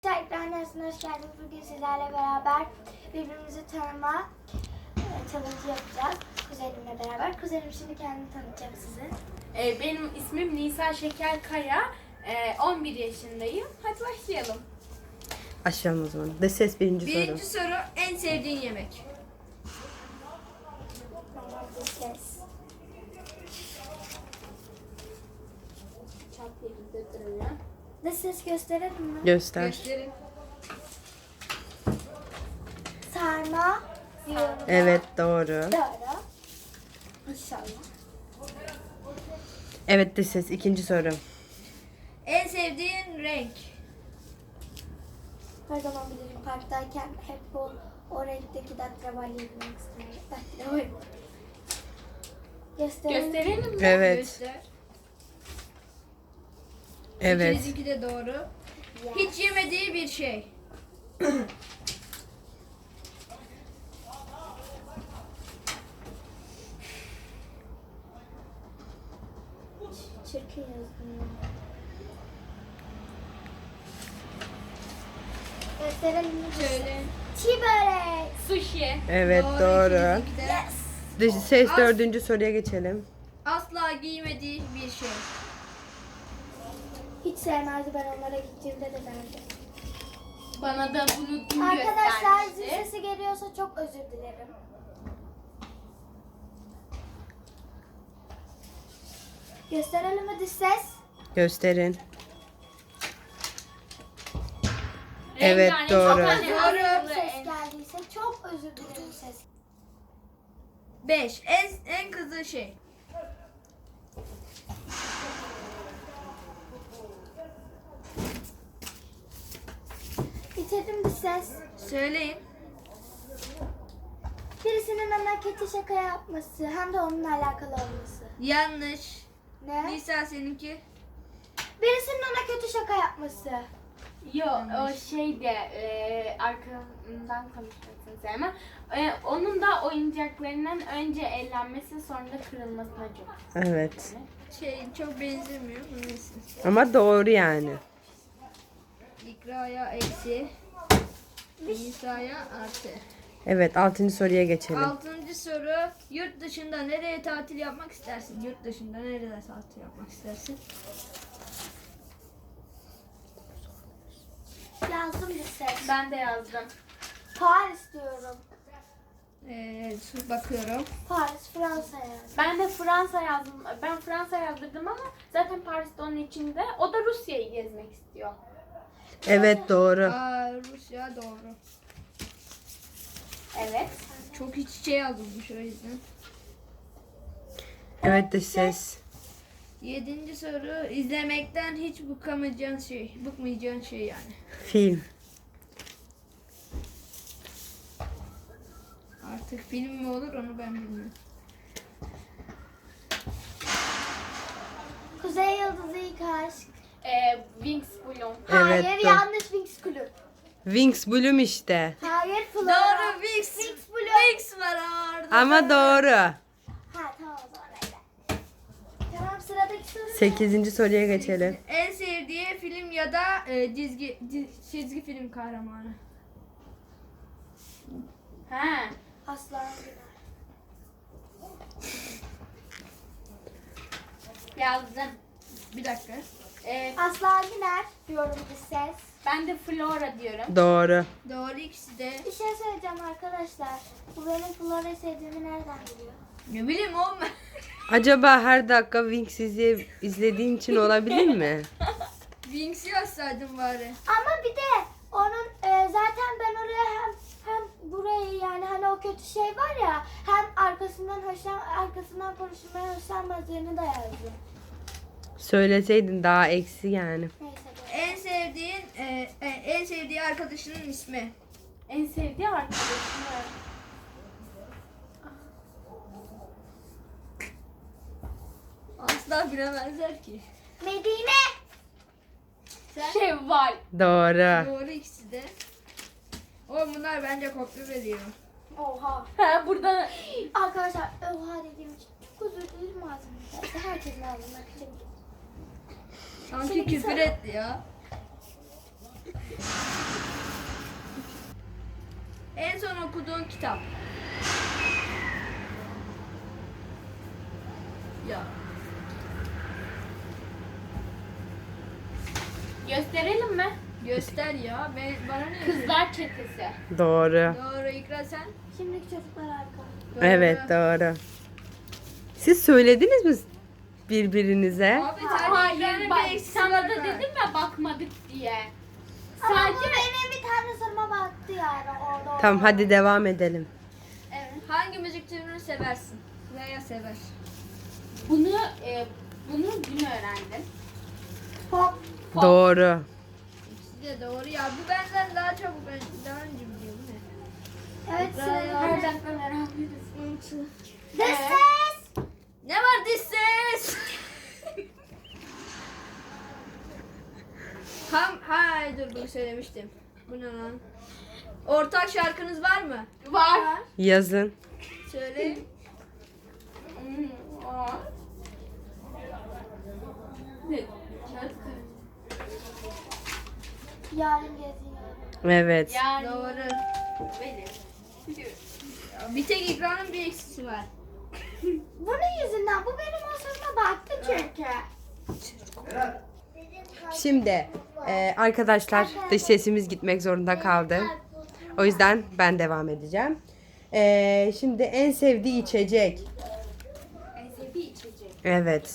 Ekran dersine hoş geldiniz. Bugün sizlerle beraber birbirimizi tanıma challenge yapacağız. Kuzenimle beraber. Kuzenim şimdi kendini tanıtacak size. Benim ismim Nisa Şekerkaya. 11 yaşındayım. Hadi başlayalım. Başlayalım o zaman. De ses birinci soru. Birinci soru, en sevdiğin yemek. Ses. De ses gösterelim mi? Göster. Gösterin. Sarma diyorum. Evet doğru. Doğru. İnşallah. Evet de ses ikinci soru. En sevdiğin renk. Her zaman bilirim parktayken hep o renkteki datravalya yemek isterim. Datravalya. Gösterelim mi? Evet. Göster. Evet. İkinizinki de doğru. Ya. Hiç yemediği bir şey. Çirkin yazdım ya. Gösterelim mi? Söyle. Çiğ börek. Sushi. Evet doğru. ikinizinki de. Yes. De ses dördüncü soruya geçelim. Asla giymediği bir şey. Hiç sevmezdi, ben onlara gittiğimde de derdi. Bana da bunu dün Arkadaşlar zil göstermişti. sesi geliyorsa çok özür dilerim. Gösterelim mi dış ses? Gösterin. Evet, Rengarenk, doğru. çok Doğru. önemli. Ses geldiyse çok özür dilerim ses. 5. En kızdığı şey. Bitirdim dış ses. Söyleyin. Birisinin ona kötü şaka yapması hem de onunla alakalı olması. Yanlış. Ne? Nisa seninki. Birisinin ona kötü şaka yapması. Yo, o şey de arkamdan konuşmasını sevmem. Onun da oyuncaklarının önce ellenmesi sonra da kırılmasına çok. Evet. Çok benzemiyor. Neyse. Ama doğru yani. İkra'ya eksi. Nisa'ya artı. Evet altıncı soruya geçelim. 6. soru. Yurt dışında nereye tatil yapmak istersin? Yurt dışında nereye tatil yapmak istersin? Yazdım dış ses. Ben de yazdım. Paris diyorum. Bakıyorum. Paris, Fransa yani. Ben de Fransa yazdım. Ben Fransa yazdırdım ama zaten Paris'te onun içinde. O da Rusya'yı gezmek istiyor. Evet doğru. Rusya doğru. Evet. Çok iç içe yazılmış o yüzden. Evet de ses. 7. soru. İzlemekten hiç bıkmayacağın şey yani. Film. Artık film mi olur onu ben bilmiyorum. Kuzey Yıldızı ilk aşk. Wings Bloom. Evet, Hayır doğru. yanlış Wings Club. Wings Bloom işte. Hayır Flora. Doğru Vix. Wings Club. Vix var orada. Ama doğru. Ha tamam o zaman öyle. Tamam sıradaki soru ne? Sekizinci soruya geçelim. En sevdiği film ya da çizgi film kahramanı. Ha. Aslan Güler. Yazdım. Bir dakika. Aslan Güler diyorum bir ses. Ben de Flora diyorum. Doğru. Doğru ikisi de. Bir şey söyleyeceğim arkadaşlar. Bu benim Flora'yı sevdiğimi nereden biliyor? Ne bileyim oğlum. Acaba her dakika Wings izlediğin için olabilir mi? Wings yazsaydın bari. Ama bir de onun zaten ben oraya hem burayı yani hani o kötü şey var ya hem arkasından konuşulmaya hoşlanmadığını da yazdım. Söyleseydin daha eksi yani. Neyse böyle. En sevdiği arkadaşının ismi. En sevdiği arkadaşım. Asla bilemezler ki. Medine. Sen? Şevval. Doğru. Doğru ikisi de. Oğlum bunlar bence kopya veriyor. Oha. Ha burada Arkadaşlar oha dediğim için çok özür dilerim ağzımda. Herkesin ağzından kırım. Sanki Şimdi küfür sen- etti ya. En son okuduğun kitap. Ya. Gösterelim mi? Göster ya. Bana ne? Kızlar Çetesi. Doğru. Doğru İkra sen. Şimdiki çocuklar harika. Doğru. Evet doğru. Siz söylediniz mi birbirinize? Abi sen Hayır, bak, bir eksisi sana var da ha. dedim ya bakmadık diye. Ama bu Sadece benim bir tane soruma baktı yani orada. Tamam hadi devam edelim. evet. Hangi müzik türünü seversin? Veya sever. Bunu dün öğrendim. Pop. Pop. Doğru. İkisi de doğru ya. Bu benden daha çabuk daha önce biliyor bu ne? Evet Bravo. sıra. Her dakika beraberiz. This is. Ne var this ses? Dur bunu söylemiştim. Bu ne lan? Ortak şarkınız var mı? Var. Yazın. Söyleyin. Var. Ne? Yarın geziyor. Evet. Yani Doğru. benim. Bir tek ekranın bir eksisi var. Bunun yüzünden bu benim o soruma baktı çünkü. Şimdi arkadaşlar dış sesimiz gitmek zorunda kaldı. O yüzden ben devam edeceğim. Şimdi en sevdiği içecek. En sevdiği içecek. Evet.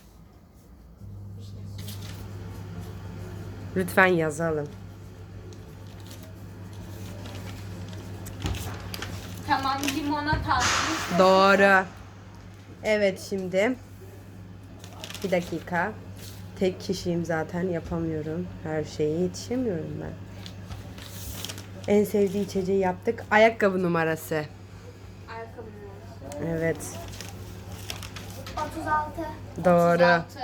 Lütfen yazalım. Tamam, limonata. Doğru. Evet şimdi. Bir dakika. Tek kişiyim zaten yapamıyorum. Her şeye yetişemiyorum ben. En sevdiği içeceği yaptık. Ayakkabı numarası. Ayakkabı numarası. Evet. 36. Doğru. 36.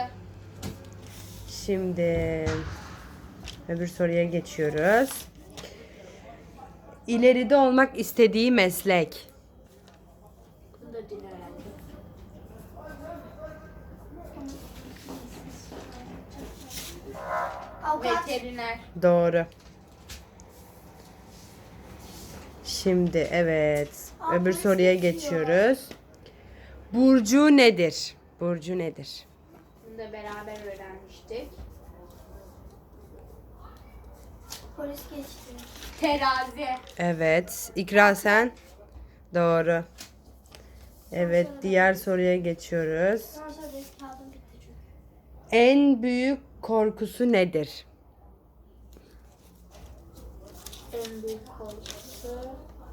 Şimdi öbür soruya geçiyoruz. İleride olmak istediği meslek. Bunu da dün öğrendim. Avukat. Veteriner. Doğru. Şimdi evet. Öbür soruya geçiyoruz. Burcu nedir? Burcu nedir? Bunu da beraber öğrenmiştik. Polis geçti. Terazi. Evet. İkra sen? Doğru. Evet. Diğer soruya geçiyoruz. Sonra benim kaldım bitti çünkü. En büyük korkusu nedir? En büyük korkusu.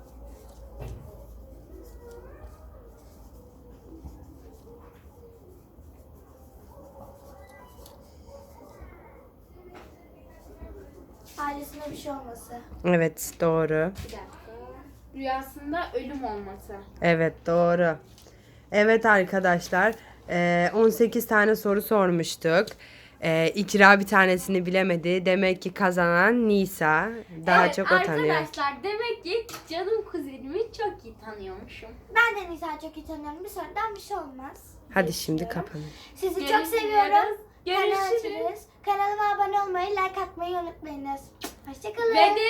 Ailesine bir şey olması. Evet. Doğru. Bir dakika. Rüyasında ölüm olması. Evet. Doğru. Evet arkadaşlar. 18 tane soru sormuştuk. İkra bir tanesini bilemedi. Demek ki kazanan Nisa. Daha Evet, çok o tanıyor. arkadaşlar demek ki canım kuzenimi çok iyi tanıyormuşum. Ben de Nisa'yı çok iyi tanıyorum. Bir sorudan bir şey olmaz. Hadi şimdi kapanın. Sizi çok Görüşürüz. seviyorum. Görüşürüz. Kanalıma abone olmayı, like atmayı unutmayınız. Hoşçakalın.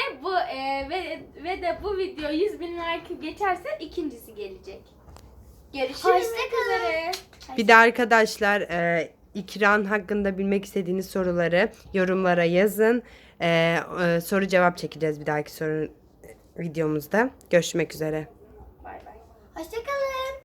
Ve de bu video 100.000 like geçerse ikincisi gelecek. Görüşürüz. Hoşçakalın. üzere. Bir de arkadaşlar İkran hakkında bilmek istediğiniz soruları yorumlara yazın. Soru cevap çekeceğiz bir dahaki soru videomuzda. Görüşmek üzere. Bay bay. Hoşçakalın.